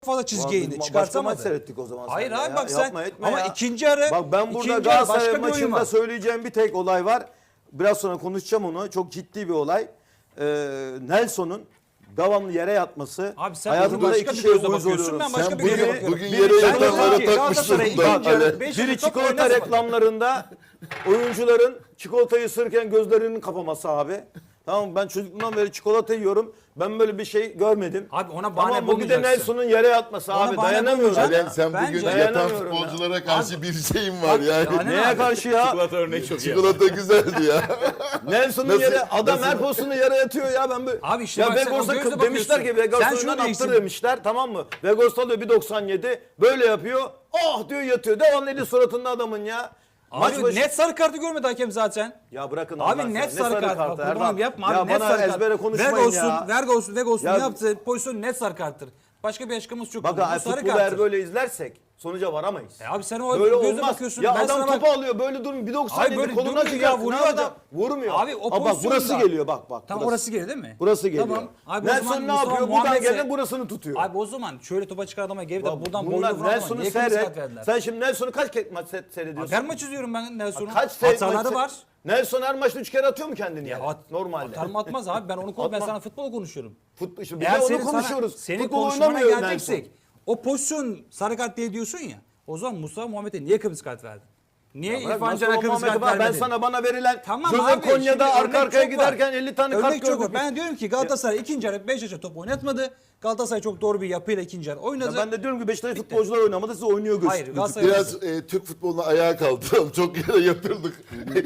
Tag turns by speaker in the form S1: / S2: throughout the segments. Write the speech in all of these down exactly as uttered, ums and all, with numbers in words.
S1: fazla çizgiye indi.
S2: Başka
S1: Çıkartamadı.
S2: maç seyrettik o zaman.
S1: Hayır
S2: seninle
S1: abi
S2: ya.
S1: bak sen
S2: Yapma, etme
S1: ama
S2: ya.
S1: ikinci yarı
S2: Bak ben burada
S1: ikinci yarı
S2: Galatasaray
S1: başka bir oyun
S2: maçında
S1: var.
S2: söyleyeceğim bir tek olay var. Biraz sonra konuşacağım onu. Çok ciddi bir olay. Ee, Nelson'un devamlı yere yatması.
S1: Abi sen
S2: hayatımda
S1: başka
S2: iki
S1: bir
S2: şeye
S1: gözle
S2: uyuz
S1: bakıyorsun,
S2: oluyorum.
S1: ben başka
S3: Sen
S1: bir
S3: bugün,
S1: gözle bakıyorum.
S3: bugün
S2: Biri-
S3: yere
S2: Ben
S3: yatanlara
S1: diyorum ki
S3: takmışsın
S1: Galatasaray
S3: da.
S1: ikinci yarı
S3: Ale.
S1: beş
S2: Biri
S1: yıl top
S2: çikolata
S1: oynasın.
S2: reklamlarında oyuncuların çikolatayı ısırırken gözlerinin kapaması abi. Tamam mı? Ben çocukluğumdan beri çikolata yiyorum. Ben böyle bir şey görmedim.
S1: Abi ona bahane
S2: Tamam mı? Bir de
S1: bulmayacaksın.
S2: Nelson'un yere yatması
S1: Ona
S2: abi.
S1: bahane
S2: Dayanamıyorum.
S1: bulmayacaksın.
S2: ya.
S3: Alen sen
S1: Bence-
S3: bugün yatan
S2: Dayanamıyorum ya.
S3: futbolculara karşı bir şeyin var
S1: Bak,
S3: yani.
S1: yani-
S2: Neye karşı ya?
S4: Çikolata örneği çok iyi.
S3: Çikolata güzeldi ya.
S2: Nelson'un
S3: Nasıl-
S2: yere adam
S3: nasıl-
S2: her pozisyonda yere yatıyor ya ben böyle.
S1: Abi işte
S2: ya
S1: bak sen o
S2: Vegors'a
S1: gözle
S2: demişler ki
S1: bakıyorsun.
S2: Vegors'a
S1: Sen şunu
S2: önünden
S1: değiştir.
S2: attır demişler tamam mı? Vegors alıyor bir doksan yedi böyle yapıyor. Oh diyor yatıyor. Devamlı eli suratında adamın ya. Maç
S1: Abi
S2: başı-
S1: net sarı kartı görmedi hakem zaten.
S2: Ya bırakın Allah
S1: Abi
S2: aşkına.
S1: net
S2: Ne
S1: sarı kart. Bak,
S2: Erdal?
S1: kurbanım yapma abi
S2: Ya
S1: net
S2: bana
S1: sarı kart.
S2: ezbere konuşmayın
S1: Vegos'un,
S2: ya.
S1: Vegos'un, Vegos'un
S2: Ya-
S1: yaptığı pozisyon net sarı karttır. Başka bir açıklaması yok.
S2: Bak
S1: Bu
S2: ha,
S1: sarı
S2: futbolu eğer
S1: karttır.
S2: böyle izlersek sonuca varamayız.
S1: E abi sen o
S2: Böyle
S1: gözle
S2: olmaz.
S1: bakıyorsun.
S2: Ya
S1: ben
S2: adam
S1: sana bak-
S2: topu alıyor böyle durmuyor. bir doksan
S1: Hayır,
S2: yedi
S1: böyle
S2: koluna
S1: durmuyor ya,
S2: çıkıyor.
S1: vuruyor
S2: Ne
S1: adam.
S2: yapacak? Vurmuyor.
S1: Abi o
S2: Aa, bak
S1: pozisyonda-
S2: burası geliyor bak bak.
S1: Tamam
S2: burası.
S1: orası geliyor değil mi?
S2: Burası geliyor.
S1: Tamam. Abi o zaman
S2: Nelson ne
S1: Mustafa
S2: yapıyor? Buradan
S1: Muhammed'e-
S2: gelen burasını tutuyor.
S1: Abi o zaman şöyle topa çıkan adama gelip de
S2: Bak,
S1: buradan boynu
S2: bunlar
S1: vuran adama
S2: Nelson'u
S1: niye kırmızı kart
S2: seyret.
S1: verdiler?
S2: Sen şimdi Nelson'u kaç kez maç se- seyrediyorsun?
S1: Her maç izliyorum ben Nelson'u.
S2: Kaç se-
S1: Hataları
S2: maç-
S1: var.
S2: Nelson her maçta üç kere atıyor mu kendini
S1: Ya
S2: yere?
S1: at,
S2: Normalde.
S1: Atar mı atmaz abi ben onu konu ben
S2: Atma.
S1: sana futbol konuşuyorum.
S2: Futbol, işte biz
S1: Eğer
S2: de
S1: senin
S2: onu
S1: sana-
S2: konuşuyoruz.
S1: senin
S2: Futbol
S1: konuşmana
S2: oynamıyor Nelson.
S1: geleceksek o pozisyon sarı kart diye diyorsun ya. O zaman Mustafa Muhammed'e niye kırmızı kart verdin? Niye
S2: Bırak,
S1: İrfan
S2: nasıl
S1: Can'a
S2: o
S1: kırmızı
S2: Muhammed'i
S1: kart
S2: var?
S1: vermedin?
S2: Ben sana bana verilen
S1: Tamam
S2: Jose
S1: abi, şimdi
S2: Konya'da arka
S1: örnek
S2: arkaya
S1: çok var.
S2: giderken elli tane
S1: Örnek
S2: kart
S1: çok var.
S2: gördük.
S1: Ben diyorum ki Galatasaray ikinci yarı Beşiktaş'a top oynatmadı. Galatasaray çok doğru bir yapıyla ikinci yarı oynadı.
S2: Ya ben de diyorum ki Beşiktaş futbolcular oynamadı siz oynuyor
S1: Hayır
S2: gözüküyor.
S1: Galatasaray
S3: Biraz e, Türk futboluna ayağa kaldıralım. Çok yere yatırdık.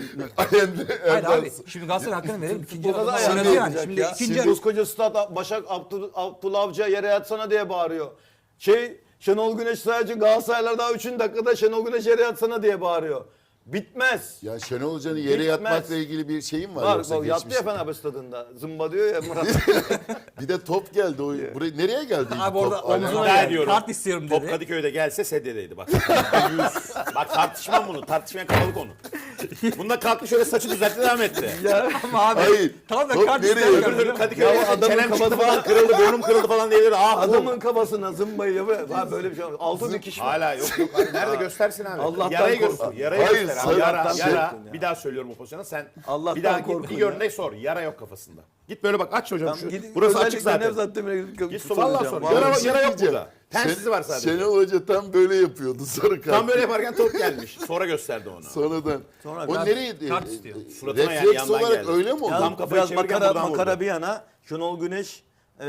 S3: Alen'de
S1: Hayır
S3: Erdal.
S1: abi şimdi Galatasaray hakkını verelim. İkinci
S2: Futbolda da
S1: yarı
S2: ayağını
S1: oynadı yani.
S2: yapacak
S1: Şimdi
S2: ya.
S1: ikinci
S2: Şimdi
S1: yarı
S2: koskoca stat Başak Abdul, Abdullah Avcı'ya yere yatsana diye bağırıyor. Şey Şenol Güneş sadece Galatasaraylar daha üçüncü dakikada Şenol Güneş yere yatsana diye bağırıyor. Bitmez.
S3: Ya Şenol Hoca'nın yere
S2: Bitmez.
S3: yatmakla ilgili bir şeyin var.
S2: Var
S3: yoksa
S2: bak yattı ya
S3: geçmişte?
S2: Fenerbahçe stadında. Zımba diyor ya Murat.
S3: Bir de top geldi. O, buraya, nereye geldi? ilk
S1: Abi orada
S3: top? Alen?
S1: omzuna
S4: Ben
S1: geldi.
S4: diyorum.
S1: Kart istiyorum
S4: Top
S1: dedi.
S4: Kadıköy'de gelse sedyedeydi bak. Yüz. Bak tartışmam bunu. Tartışmaya kapalı konu. Bunda kalktı şöyle saçı düzeltti devam etti.
S1: Ama abi
S3: Hayır.
S1: tam da
S3: Top
S1: kart
S3: nereye?
S1: istiyorum.
S4: Öbür türlü Kadıköy'de
S2: Ya adamın
S4: çenem çıktı
S2: kafası-
S4: falan kırıldı, burnum kırıldı falan diyebilir. Ah
S2: Adamın kafasına zımbayı yapıyor. Ha böyle bir şey olmaz. Altı dikiş var.
S4: Hala yok yok. Abi, nerede göstersin abi.
S2: Allah'tan
S4: yarayı
S2: korkun.
S4: göster. Yarayı
S3: Hayır,
S4: göster.
S3: sen-
S4: Abi. Yara,
S3: Allah'tan
S4: yara.
S2: korkun ya.
S4: Bir daha söylüyorum o pozisyona. Sen
S2: Allah'tan
S4: bir daha git
S2: korkun
S4: bir
S2: ya.
S4: görüntü sor. Yara yok kafasında. Git böyle bak aç hocam şu.
S2: Gidin-
S4: Burası
S2: özellikle
S4: açık zaten.
S2: Nevzat Demir'e gidip
S4: Git
S2: soracağım.
S4: valla sor.
S2: Vallahi.
S4: Yara,
S3: Bir şey
S4: yara yok
S3: diyeceğim.
S4: burada. Tensizi var sadece.
S3: Şenol Hoca tam böyle yapıyordu sarı kart.
S4: Tam böyle yaparken top gelmiş. Sonra gösterdi onu.
S3: Sonradan.
S2: Sonra
S3: o
S2: kart-
S3: nereye?
S1: kart istiyor.
S4: Suratına yani
S3: Refleks
S4: yandan
S3: olarak
S4: geldi.
S3: öyle mi oldu?
S2: Ya
S4: Tam kafayı
S2: biraz
S4: çevirirken
S2: makara,
S4: buradan
S2: makara
S4: vurdu.
S2: bir yana Şenol Güneş e,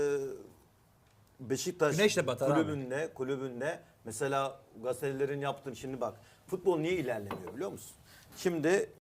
S2: Beşiktaş
S1: Güneşle batar abi.
S2: kulübünde, kulübünde mesela gazetelerin yaptığını şimdi bak futbol niye ilerlemiyor biliyor musun? Şimdi